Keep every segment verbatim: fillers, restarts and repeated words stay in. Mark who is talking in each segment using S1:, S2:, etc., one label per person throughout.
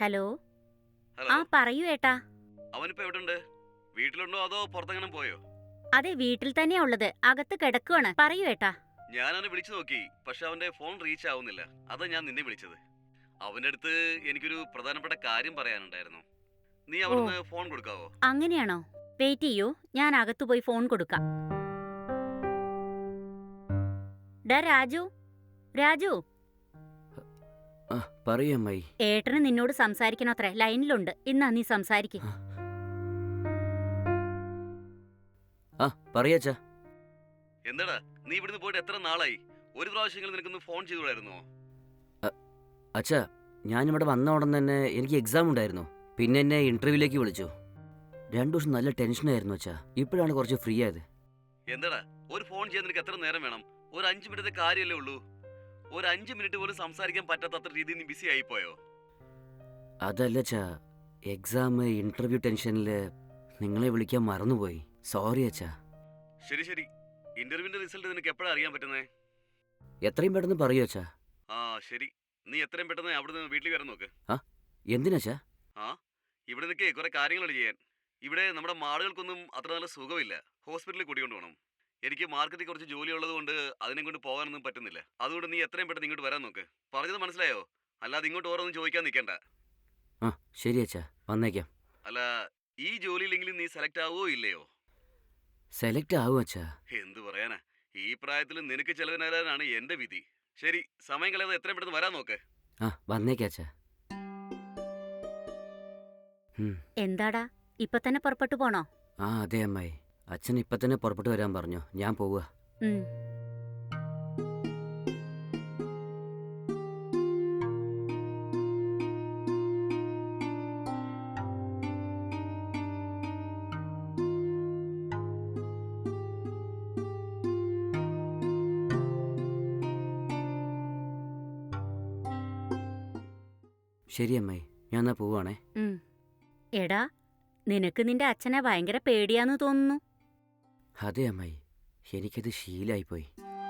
S1: Hello.
S2: Hello.
S1: ആ പറയൂ ഏട്ടാ.
S2: അവനിപ്പോ എവിടുണ്ട്? വീട്ടിലുണ്ടോ അതോ പുറത്തെങ്ങനെ പോയോ?
S1: അതെ, വീട്ടിൽ തന്നെയാ ഉള്ളത്. അകത്ത് കിടക്കുവാണ്. പറയൂ ഏട്ടാ.
S2: ഞാൻ അവനെ വിളിച്ചു നോക്കി, പക്ഷെ അവന്റെ ഫോൺ റീച്ച് ആവുന്നില്ല. അതാ ഞാൻ നിന്നെ വിളിച്ചത്. അവന്റെ അടുത്ത് എനിക്കൊരു പ്രധാനപ്പെട്ട കാര്യം പറയാനുണ്ടായിരുന്നു. നീ
S1: ഓ,
S2: അവിടുന്ന് ഫോൺ കൊടുക്കാവോ?
S1: അങ്ങനെയാണോ? വെയിറ്റ് ചെയ്യൂ, ഞാൻ അകത്ത് പോയി ഫോൺ കൊടുക്കാം. ഡാ രാജു, രാജു.
S3: ആ പറയൂ അമ്മായി.
S1: ഏട്ടന് നിന്നോട് സംസാരിക്കണത്രേ, ലൈനിലുണ്ട്. ഇന്നാ നീ സംസാരിക്ക്.
S3: ആ, ആ പറയാച്ചാ.
S2: എന്താടാ, നീ ഇവിടുന്ന് പോയിട്ട് എത്ര നാളായി? ഒരു പ്രാവശ്യമെങ്കിലും നിനക്കൊന്ന് ഫോൺ ചെയ്തുകൂടായിരുന്നോ?
S3: അച്ഛാ, ഞാനിവിടെ വന്ന ഉടൻ തന്നെ എനിക്ക് എക്സാം ഉണ്ടായിരുന്നു. പിന്നെ എന്നെ ഇന്റർവ്യൂവിലേക്ക് വിളിച്ചു. രണ്ടു ദിവസം നല്ല ടെൻഷനായിരുന്നു അച്ഛാ. ഇപ്പോഴാണ് കുറച്ച് ഫ്രീ ആയത്.
S2: എന്താടാ, ഒരു ഫോൺ ചെയ്യാൻ നിനക്ക് എത്ര നേരം വേണം? ഒരു അഞ്ച് മിനിറ്റ് കാര്യമല്ലേ ഉള്ളൂ. ഒരു അഞ്ച് മിനിറ്റ് പോലും സംസാരിക്കാൻ പറ്റാത്ത അത്ര രീതിയിൽ നീ ബിസി ആയിപ്പോയോ?
S3: അതല്ല അച്ഛാ, എക്സാം ഇന്റർവ്യൂ ടെൻഷനിൽ നിങ്ങളെ വിളിക്കാൻ മറന്നുപോയി. സോറി അച്ഛാ.
S2: ശരി ശരി, ഇന്റർവ്യൂവിന്റെ റിസൾട്ട് നിനക്ക് എപ്പോഴാണ് അറിയാൻ പറ്റുന്നേ?
S3: എത്രയും പെട്ടെന്ന് പറയൂ അച്ഛാ.
S2: ആ ശരി, നീ എത്രയും പെട്ടെന്ന് അവിടുന്ന് വീട്ടിൽ വരാൻ നോക്ക്.
S3: ആ എന്തിനാച്ചാ?
S2: ആ ഇവിടെ നിൽക്കേ, കുറെ കാര്യങ്ങളുണ്ട് ചെയ്യാൻ. ഇവിടെ നമ്മുടെ മാളുകൾക്കൊന്നും അത്ര നല്ല സുഖമില്ല. ഹോസ്പിറ്റലിൽ കൂട്ടിക്കൊണ്ട് പോകണം. എനിക്ക് മാർക്കറ്റിൽ കുറച്ച് ജോലി ഉള്ളത് കൊണ്ട് അതിനെ കൊണ്ട് പോകാനൊന്നും പറ്റുന്നില്ല. അതുകൊണ്ട് നീ എത്രയും പെട്ടെന്ന് ഇങ്ങോട്ട് വരാൻ നോക്ക്. പറഞ്ഞത് മനസ്സിലായോ? അല്ലാതെ ഇങ്ങോട്ട് ഓരോന്നും ചോദിക്കാൻ നിൽക്കണ്ട.
S3: ആ ശരി അച്ഛാ, വന്നേക്കാം.
S2: അല്ല, ഈ ജോലിയിലെങ്കിലും നീ സെലക്ട് ആവുമോ ഇല്ലയോ?
S3: സെലക്ട് ആവും അച്ഛാ.
S2: എന്തു പറയാനാ, ഈ പ്രായത്തിൽ നിനക്ക് ചെലവിനാലാണ് എന്റെ വിധി. ശരി, സമയം കളയാതെ എത്രയും പെട്ടെന്ന് വരാൻ നോക്ക്.
S3: ആ വന്നേക്കാം അച്ഛാ. ഉം.
S1: എന്താടാ, ഇപ്പൊ തന്നെ പുറപ്പെട്ടു പോണോ?
S3: ആ അതെ അമ്മായി. അച്ഛൻ ഇപ്പം തന്നെ പുറപ്പെട്ടു വരാൻ പറഞ്ഞു. ഞാൻ പോവുക.
S1: ഉം.
S3: ശരി അമ്മായി, ഞാൻ എന്നാ പോവാണേ.
S1: ഉം. എടാ, നിനക്ക് നിന്റെ അച്ഛനെ ഭയങ്കര പേടിയാന്ന് തോന്നുന്നു.
S3: അതെ അമ്മായി, എനിക്കത് ശീലായിപ്പോയി.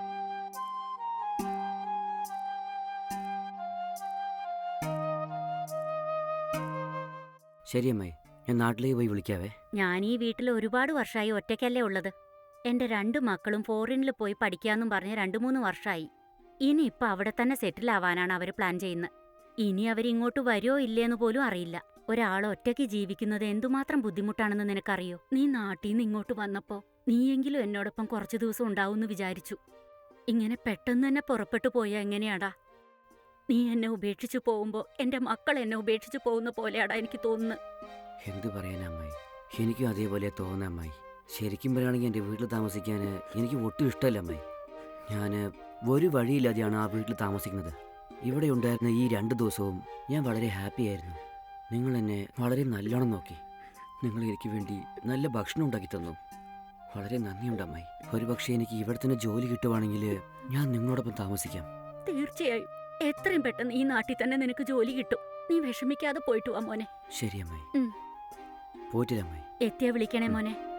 S3: ശരി അമ്മായി, ഞാൻ നാട്ടിലേക്ക് പോയി വിളിക്കാവേ.
S1: ഞാൻ ഈ വീട്ടിൽ ഒരുപാട് വർഷമായി ഒറ്റയ്ക്കല്ലേ ഉള്ളത്. എന്റെ രണ്ട് മക്കളും ഫോറിനിൽ പോയി പഠിക്കാന്നും പറഞ്ഞ് രണ്ടു മൂന്ന് വർഷമായി. ഇനി ഇപ്പൊ അവിടെ തന്നെ സെറ്റിൽ ആവാനാണ് അവര് പ്ലാൻ ചെയ്യുന്നത്. ഇനി അവരിങ്ങോട്ട് വരുമോ ഇല്ലേന്ന് പോലും അറിയില്ല. ഒരാൾ ഒറ്റയ്ക്ക് ജീവിക്കുന്നത് എന്തുമാത്രം ബുദ്ധിമുട്ടാണെന്ന് നിനക്കറിയോ? നീ നാട്ടിൽ നിന്ന് ഇങ്ങോട്ട് വന്നപ്പോ നീയെങ്കിലും എന്നോടൊപ്പം കുറച്ചു ദിവസം ഉണ്ടാവുമെന്ന് വിചാരിച്ചു. ഇങ്ങനെ പെട്ടെന്ന് തന്നെ പുറപ്പെട്ടു പോയാ എങ്ങനെയാടാ? നീ എന്നെ ഉപേക്ഷിച്ചു പോകുമ്പോ എന്റെ മക്കൾ എന്നെ ഉപേക്ഷിച്ചു പോകുന്ന പോലെയാടാ എനിക്ക് തോന്നുന്നത്.
S3: എന്തു പറയാനാ അമ്മായി, എനിക്കും അതേപോലെ തോന്നാം അമ്മായി. ശരിക്കും പറയുകയാണെങ്കിൽ എൻ്റെ വീട്ടിൽ താമസിക്കാൻ എനിക്ക് ഒട്ടും ഇഷ്ടമല്ല അമ്മായി. ഞാൻ ഒരു വഴിയില്ലാതെയാണ് ആ വീട്ടിൽ താമസിക്കുന്നത്. ഇവിടെ ഉണ്ടായിരുന്ന ഈ രണ്ട് ദിവസവും ഞാൻ വളരെ ഹാപ്പി ആയിരുന്നു. നിങ്ങൾ എന്നെ വളരെ നല്ലോണം നോക്കി. നിങ്ങൾ എനിക്ക് വേണ്ടി നല്ല ഭക്ഷണം ഉണ്ടാക്കി തന്നു. വളരെ നന്ദിയുണ്ട് അമ്മായി. ഒരുപക്ഷെ എനിക്ക് ഇവിടെ തന്നെ ജോലി കിട്ടുവാണെങ്കിൽ ഞാൻ നിങ്ങളോടൊപ്പം താമസിക്കാം.
S1: തീർച്ചയായും എത്രയും പെട്ടെന്ന് ഈ നാട്ടിൽ തന്നെ നിനക്ക് ജോലി കിട്ടും. നീ വിഷമിക്കാതെ പോയിട്ട് വാ മോനെ.
S3: ശരി അമ്മായി.
S1: ഉം.
S3: പോയിട്ടില്ല അമ്മായി.
S1: എത്തിയാ വിളിക്കണേ മോനെ.